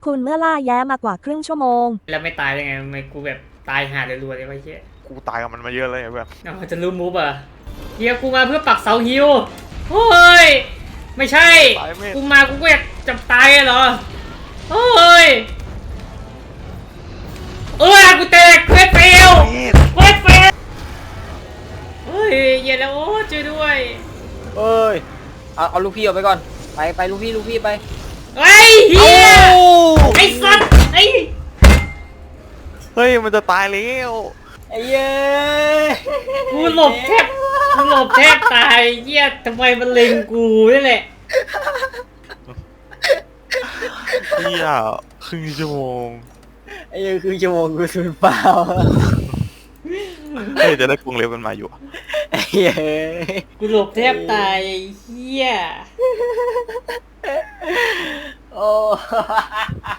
คุณเมื่อล่าแย้มากว่าครึ่งชั่วโมงแล้วไม่ตายได้ไงทำไมกูแบบตายหารัวๆเลยวะเหี้ยกูตายกับมันมาเยอะเลยแบบเอาจะรู้มูฟอ่ะเฮียกูมาเพื่อปักเสาฮิวโอ้ยไม่ใช่กูมากูก็อยากจะตายเหรอโอ้ยกูแตกเควสเฟลเควสเฟลเฮ้ยเย็นแล้วโอ้ช่วยด้วยเอ้ยเอาลูกพี่ออกไปก่อนไปลูกพี่ไปเฮ้ยเฮียไอ้สัตว์ไอ้เฮ้ยมันจะตายแล้วไอ้เย้กูหลบแทบตายเหี้ยทำไมมันเล็งกูนี่แหละเฮียครึ่งชั่วโมงไอ้เย้คือชั่วโมงกูสูญเปล่าเฮ้ยจะได้กรงเล็บมันมาอยู่ไอ้เย้กูหลบแทบตายเหี้ยโอ้